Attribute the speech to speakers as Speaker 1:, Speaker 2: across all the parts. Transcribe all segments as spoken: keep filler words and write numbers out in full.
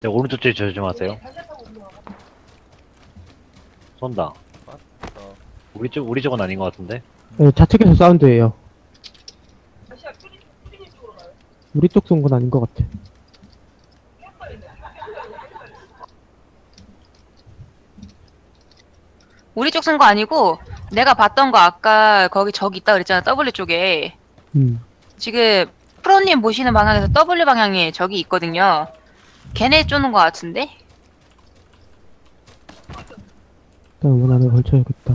Speaker 1: 네, 오른쪽 뒤에 조심하세요. 쏜다.
Speaker 2: 맞다.
Speaker 1: 우리 쪽, 우리 쪽은 아닌 것 같은데?
Speaker 3: 네, 좌측에서 사운드예요. 우리 쪽 쏜 건 아닌 것 같아.
Speaker 4: 우리 쪽 쓴 거 아니고 내가 봤던 거 아까 거기 저기 있다 그랬잖아. 더블유 쪽에.
Speaker 3: 음.
Speaker 4: 지금 프로님 보시는 방향에서 더블유 방향에 저기 있거든요. 걔네 쪼는 거 같은데?
Speaker 3: 일단 문 안에 걸쳐야겠다.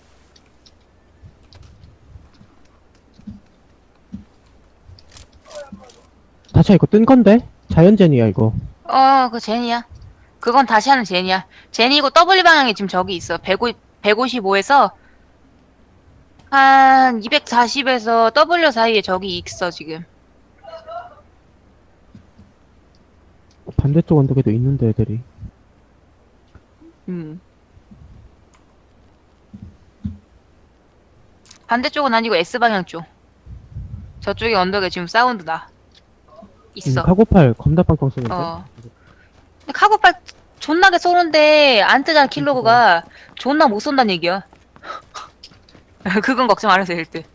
Speaker 3: 다차 이거 뜬 건데? 자연젠이야 이거.
Speaker 4: 어, 그 제니야. 그건 다시 하는 제니야. 제니고 더블유 방향에 지금 저기 있어. 백오십, 백오십오에서 한 이백사십에서 더블유 사이에 저기 있어 지금.
Speaker 3: 반대쪽 언덕에도 있는데 애들이.
Speaker 4: 음. 반대쪽은 아니고 S 방향 쪽. 저쪽에 언덕에 지금 사운드 나.
Speaker 3: 음,
Speaker 4: 있어.
Speaker 3: 카고팔 겁나 빵빵 쏘는데?
Speaker 4: 어. 근데 카고팔 존나게 쏘는데 안 뜨잖아 킬로그가. 존나 못 쏜다는 얘기야. 그건 걱정 안 해도 될 듯.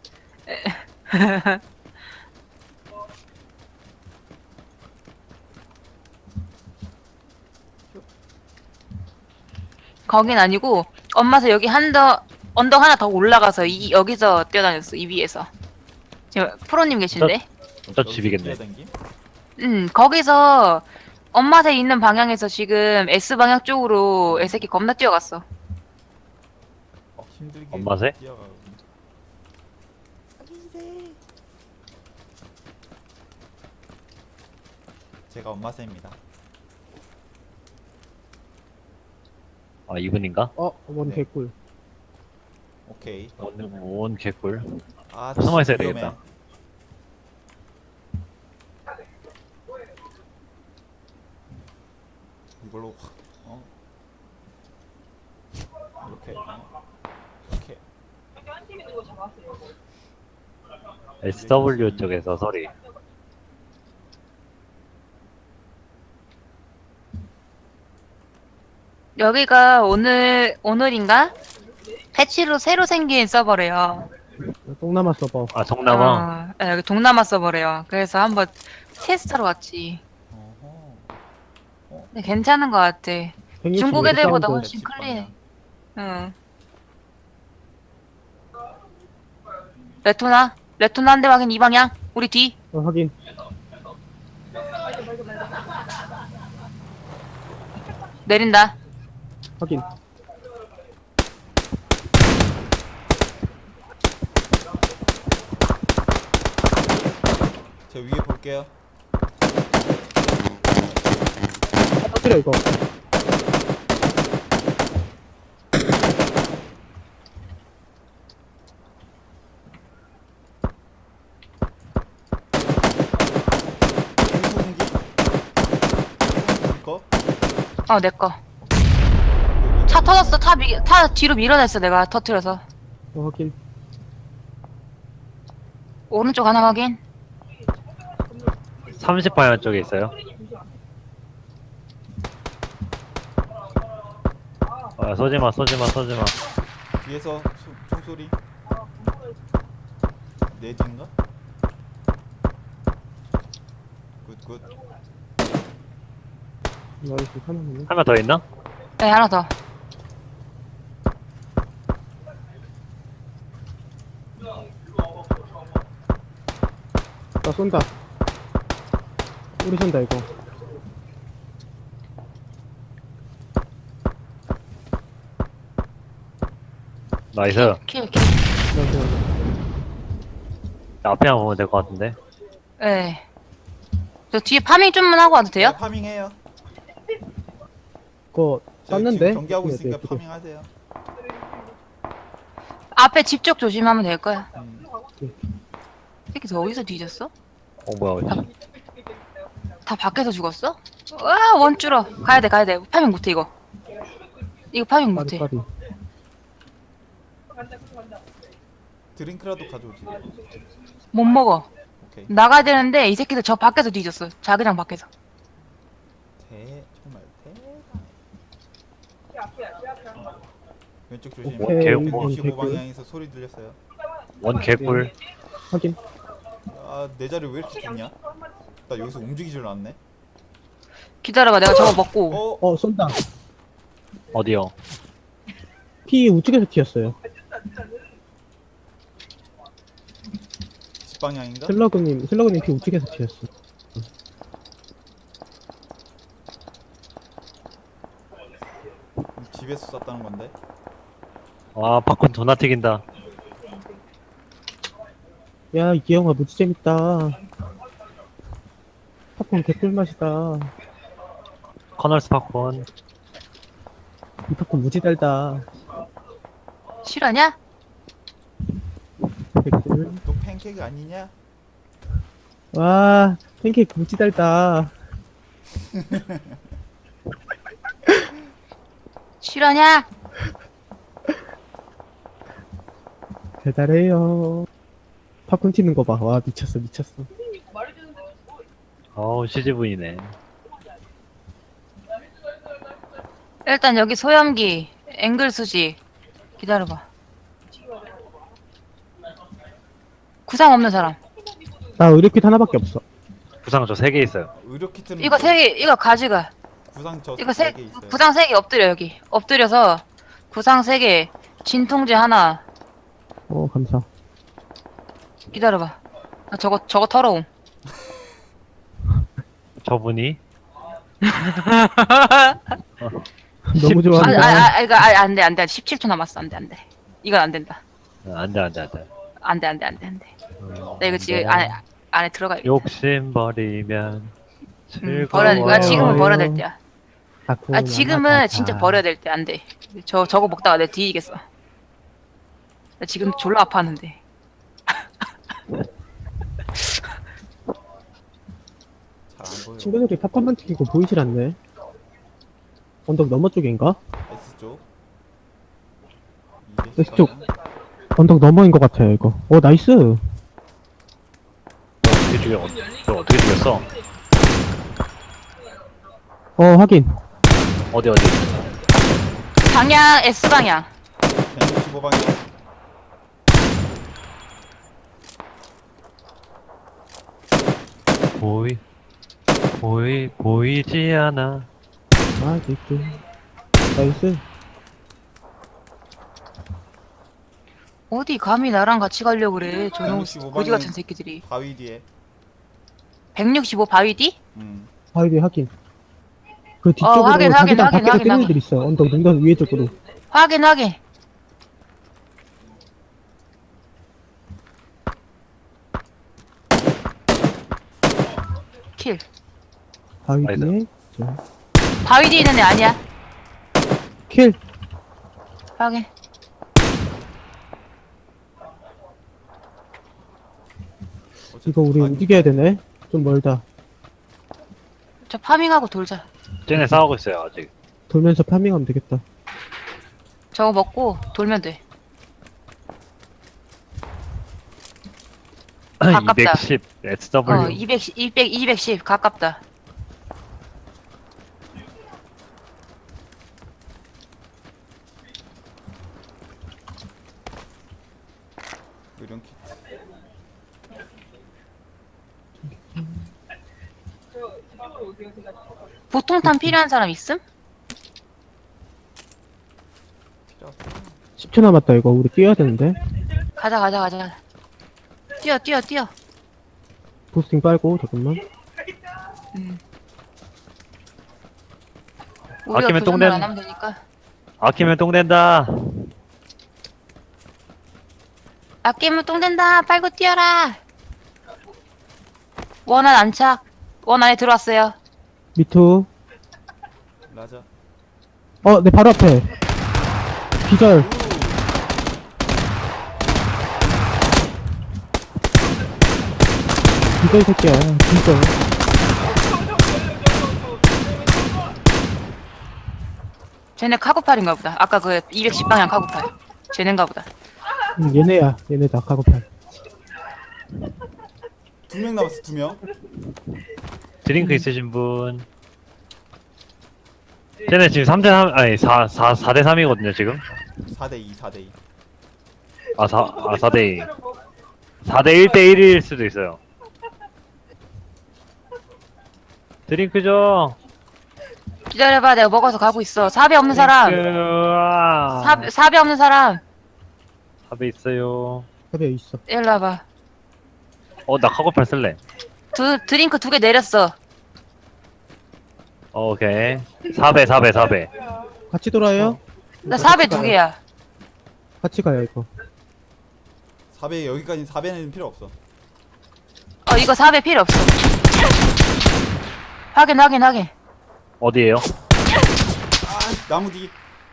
Speaker 4: 거긴 아니고 엄마서 여기 한 더 언덕 하나 더 올라가서 이 여기서 뛰어다녔어. 이 위에서. 지금 프로님 계신데?
Speaker 1: 저 집이겠네.
Speaker 2: 뛰어댕김?
Speaker 4: 음, 거기서 엄마새 있는 방향에서 지금 S 방향 쪽으로 애새끼 겁나 뛰어갔어.
Speaker 2: 어, 힘들게
Speaker 1: 엄마새?
Speaker 2: 뛰어가고. 제가 엄마새입니다.
Speaker 1: 아, 이분인가?
Speaker 3: 어, 원
Speaker 2: 네.
Speaker 3: 개꿀.
Speaker 2: 오케이.
Speaker 1: 원, 원 개꿀.
Speaker 2: 아,
Speaker 1: 숨어 있어야
Speaker 2: 위험해.
Speaker 1: 되겠다.
Speaker 2: 이걸로 확, 어? 이렇게, 어? 이렇게.
Speaker 1: 에스더블유 쪽에서 소리.
Speaker 4: 여기가 오늘 오늘인가? 패치로 새로 생긴 서버래요.
Speaker 3: 동남아 서버.
Speaker 1: 아, 동남아.
Speaker 4: 어, 예, 여기 동남아 서버래요. 그래서 한번 테스트하러 왔지.
Speaker 2: 어허.
Speaker 4: 근데 괜찮은 것 같아.
Speaker 3: 백육십오
Speaker 4: 중국 애들보다
Speaker 3: 사운드.
Speaker 4: 훨씬 클리해. 응. 레토나? 레토나 한 대 확인 이 방향. 우리 뒤.
Speaker 3: 어, 확인.
Speaker 4: 내린다.
Speaker 3: 확인.
Speaker 2: 저 위에 볼게요.
Speaker 3: 터뜨려 이거.
Speaker 2: 공수공기? 이거?
Speaker 4: 어, 내 거. 차 터졌어. 타, 미, 타 뒤로 밀어냈어. 내가 터트려서.
Speaker 3: 어, 확인.
Speaker 4: 오른쪽 하나 확인.
Speaker 1: 삼십 방향 쪽에 있어요. 아, 쏘지마, 쏘지마, 쏘지마.
Speaker 2: 뒤에서 소, 총소리. 내 뒤인가? 굿굿.
Speaker 3: 나이스 하나만.
Speaker 1: 한 명 더 있나?
Speaker 4: 네, 하나 더.
Speaker 3: 나 쏜다. 우리 쏜다 이거.
Speaker 1: 나이스.
Speaker 4: 킬, 킬.
Speaker 3: 나이스.
Speaker 1: 앞에만 보면 될 것 같은데.
Speaker 4: 네. 저 뒤에 파밍 좀만 하고 와도 돼요?
Speaker 2: 네, 파밍해요.
Speaker 3: 그거
Speaker 2: 저
Speaker 3: 쐈는데?
Speaker 2: 지금 경기하고
Speaker 3: 네,
Speaker 2: 있으니까
Speaker 3: 네,
Speaker 2: 파밍하세요.
Speaker 4: 앞에 집 쪽 조심하면 될 거야.
Speaker 2: 음.
Speaker 4: 새끼 저 어디서 뒤졌어?
Speaker 1: 어, 뭐야, 어디?
Speaker 4: 다 밖에서 죽었어? 와, 원줄어. 가야 돼, 가야 돼. 파밍 못해, 이거. 이거 파밍
Speaker 3: 까리
Speaker 4: 못해.
Speaker 3: 까리.
Speaker 2: 드링크라도 가져오지.
Speaker 4: 못 먹어.
Speaker 2: 오케이.
Speaker 4: 나가야 되는데 이 새끼들 저 밖에서 뒤졌어. 자기장 밖에서.
Speaker 2: 대 정말 대박. 왼쪽 조심.
Speaker 1: 원 개,
Speaker 3: 오케이.
Speaker 1: 원,
Speaker 2: 백육십오 방향에서 소리 들렸어요.
Speaker 1: 원 개꿀.
Speaker 3: 확인.
Speaker 2: 아, 내 자리 왜 이렇게 좋냐? 나 여기서 움직이질 않네.
Speaker 4: 기다려봐. 내가 저거 먹고.
Speaker 2: 어,
Speaker 3: 어 쏜다.
Speaker 1: 어디요?
Speaker 3: 피 우측에서 튀었어요.
Speaker 2: 집 방향인가?
Speaker 3: 슬러그님 슬러그님 피 우측에서 튀었어.
Speaker 2: 집에서 쐈다는 건데.
Speaker 1: 아, 팝콘 존나 튀긴다.
Speaker 3: 야, 이 영화 무지 재밌다. 팝콘 개꿀 맛이다.
Speaker 1: 커널스 팝콘.
Speaker 3: 이 팝콘 무지 달다.
Speaker 4: 실화냐?
Speaker 3: 개꿀.
Speaker 2: 또 팬케이크 아니냐?
Speaker 3: 와, 팬케이크 무지 달다.
Speaker 4: 실화냐?
Speaker 3: 달달해요. 팝콘 튀는 거 봐. 와, 미쳤어, 미쳤어.
Speaker 1: 어우, 시즈분이네.
Speaker 4: 일단 여기 소염기, 앵글 수지. 기다려봐. 구상 없는 사람.
Speaker 3: 나 의료킷 하나밖에 없어.
Speaker 1: 부상 저 세 개 있어요.
Speaker 2: 의료 키트는
Speaker 4: 이거 세 개, 이거 가져가.
Speaker 2: 구상 저
Speaker 4: 이거 세,
Speaker 2: 세 개 있어요.
Speaker 4: 구상 세 개 엎드려, 여기. 엎드려서 구상 세 개, 진통제 하나.
Speaker 3: 어, 감사.
Speaker 4: 기다려봐. 나 저거, 저거 털어옴.
Speaker 1: 저분이
Speaker 3: 너무
Speaker 4: 아,
Speaker 3: 좋아한다.
Speaker 4: 아, 아, 이거, 아, 안 돼, 안 돼. 십칠 초 남았어. 안 돼, 안 돼. 이건 안 된다.
Speaker 1: 안돼 안돼 안돼.
Speaker 4: 안 돼, 안 돼, 안 돼, 안 돼. 나 이거 지금 안에, 안에 들어가야 돼.
Speaker 1: 욕심 버리면
Speaker 4: 음,
Speaker 1: 즐거워.
Speaker 4: 버려야 돼. 아, 지금은
Speaker 3: 어.
Speaker 4: 버려야 될 때야.
Speaker 3: 팝콘
Speaker 4: 아, 지금은
Speaker 3: 하나
Speaker 4: 진짜
Speaker 3: 다.
Speaker 4: 버려야 될 때. 안 돼. 저, 저거 먹다가 내 뒤지겠어. 나 지금 졸라 아파하는데.
Speaker 2: 잘 안 보여.
Speaker 3: 친구들이 팝콘만 튀기고 보이질 않네. 언덕 너머 쪽인가?
Speaker 2: S 쪽.
Speaker 3: S 쪽. 언덕 너머인 것 같아요, 이거. 어, 나이스.
Speaker 1: 어떻게 죽여? 저 어떻게 죽였어?
Speaker 3: 어, 확인.
Speaker 1: 어디 어디?
Speaker 4: 방향, S방향.
Speaker 2: 백육십오 방향.
Speaker 1: 보이 보이 보이지 않아.
Speaker 3: 아, 이렇게. 나이스.
Speaker 4: 어디 감히 나랑 같이 가려고 그래. 저놈
Speaker 2: 백육십오
Speaker 4: 거지
Speaker 2: 방향.
Speaker 4: 같은 새끼들이.
Speaker 2: 바위 뒤에.
Speaker 4: 백육십오 바위 뒤?
Speaker 2: 음.
Speaker 3: 바위 뒤 확인. 그 뒤쪽으로
Speaker 4: 확인, 확인,
Speaker 3: 자기장
Speaker 4: 확인,
Speaker 3: 밖에서
Speaker 4: 확인,
Speaker 3: 뛰는
Speaker 4: 확인.
Speaker 3: 애들 있어. 언덕 능선 위에 쪽으로.
Speaker 4: 확인, 확인. 킬.
Speaker 3: 바위
Speaker 1: 나이스.
Speaker 3: 뒤에. 자,
Speaker 4: 바위 뒤에 있는 애 아니야.
Speaker 3: 킬.
Speaker 4: 확인.
Speaker 3: 이거 우리
Speaker 2: 아니,
Speaker 3: 움직여야 되네. 좀 멀다.
Speaker 4: 저 파밍하고 돌자.
Speaker 1: 쟤네 싸우고 있어요 아직.
Speaker 3: 돌면서 파밍하면 되겠다.
Speaker 4: 저거 먹고 돌면 돼. 가깝다.
Speaker 1: 이백십 에스더블유.
Speaker 4: 어, 이백, 이백, 이백십 가깝다.
Speaker 2: 의료 키트.
Speaker 4: 보통탄 필요한 사람 있음?
Speaker 2: 필요 없어.
Speaker 3: 십 초 남았다, 이거. 우리 뛰어야 되는데.
Speaker 4: 가자, 가자, 가자. 뛰어, 뛰어, 뛰어.
Speaker 3: 부스팅 빨고, 잠깐만.
Speaker 4: 음. 우리가
Speaker 1: 아끼면
Speaker 4: 교전을
Speaker 1: 똥냄.
Speaker 4: 안 하면 되니까.
Speaker 1: 아끼면 똥 된다.
Speaker 4: 아끼면 똥 된다. 빨고 뛰어라. 원안 안착. 원 안에 들어왔어요.
Speaker 3: 미투.
Speaker 2: 라자.
Speaker 3: 어, 내 바로 앞에. 기절.
Speaker 2: 우.
Speaker 3: 기절 새끼야. 진짜.
Speaker 4: 쟤네 카고팔인가 보다. 아까 그 이백십 방향 카고팔. 쟤네인가 보다.
Speaker 3: 응, 얘네야. 얘네다, 카고팔.
Speaker 2: 두 명 남았어, 두 명.
Speaker 1: 드링크 있으신 분. 쟤네 지금 삼 대 삼, 아니, 사, 사, 사 대 삼이거든요, 지금.
Speaker 2: 사 대 이, 사 대 이.
Speaker 1: 아, 사, 아, 사 대 이. 사 대 일 대 일일 수도 있어요. 드링크 줘.
Speaker 4: 기다려봐, 내가 먹어서 가고 있어. 사배 없는 사람.
Speaker 1: 아.
Speaker 4: 사, 사배 없는 사람.
Speaker 1: 사배 있어요.
Speaker 3: 협에 있어.
Speaker 4: 일로 와봐.
Speaker 1: 어, 나 카고팔 쓸래.
Speaker 4: 두, 드링크 두 개 내렸어.
Speaker 1: 어, 오케이. 사 배, 사 배, 사 배.
Speaker 3: 같이 돌아요?
Speaker 4: 나 사배 두 개야.
Speaker 3: 같이 가요, 이거.
Speaker 2: 사 배 여기까지 사 배는 필요 없어.
Speaker 4: 어, 이거 사배 필요 없어. 확인, 확인, 확인.
Speaker 1: 어디에요?
Speaker 2: 아 나무 뒤.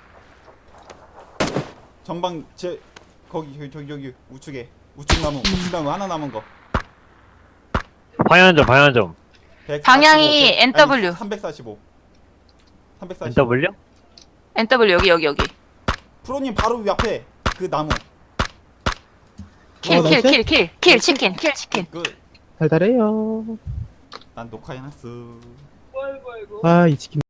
Speaker 2: 전방 제 거기 저기 저기 저기 우측에 우측 나무 우측 나무 하나 남은 거.
Speaker 1: 방향 좀, 방향 좀.
Speaker 2: 백사십오,
Speaker 4: 방향이
Speaker 2: 백-
Speaker 4: 엔 더블유.
Speaker 2: 아니, 삼백사십오. 삼백사십오.
Speaker 1: 엔 더블유?
Speaker 4: 엔 더블유, 여기, 여기, 여기.
Speaker 2: 프로님 바로 옆에 그 나무.
Speaker 4: 킬,
Speaker 3: 어,
Speaker 4: 킬,
Speaker 3: 나이스?
Speaker 4: 킬, 킬, 킬, 치킨, 킬, 치킨.
Speaker 2: 그
Speaker 3: 달달해요.
Speaker 2: 난 녹화해놨어.
Speaker 3: 아, 이 치킨.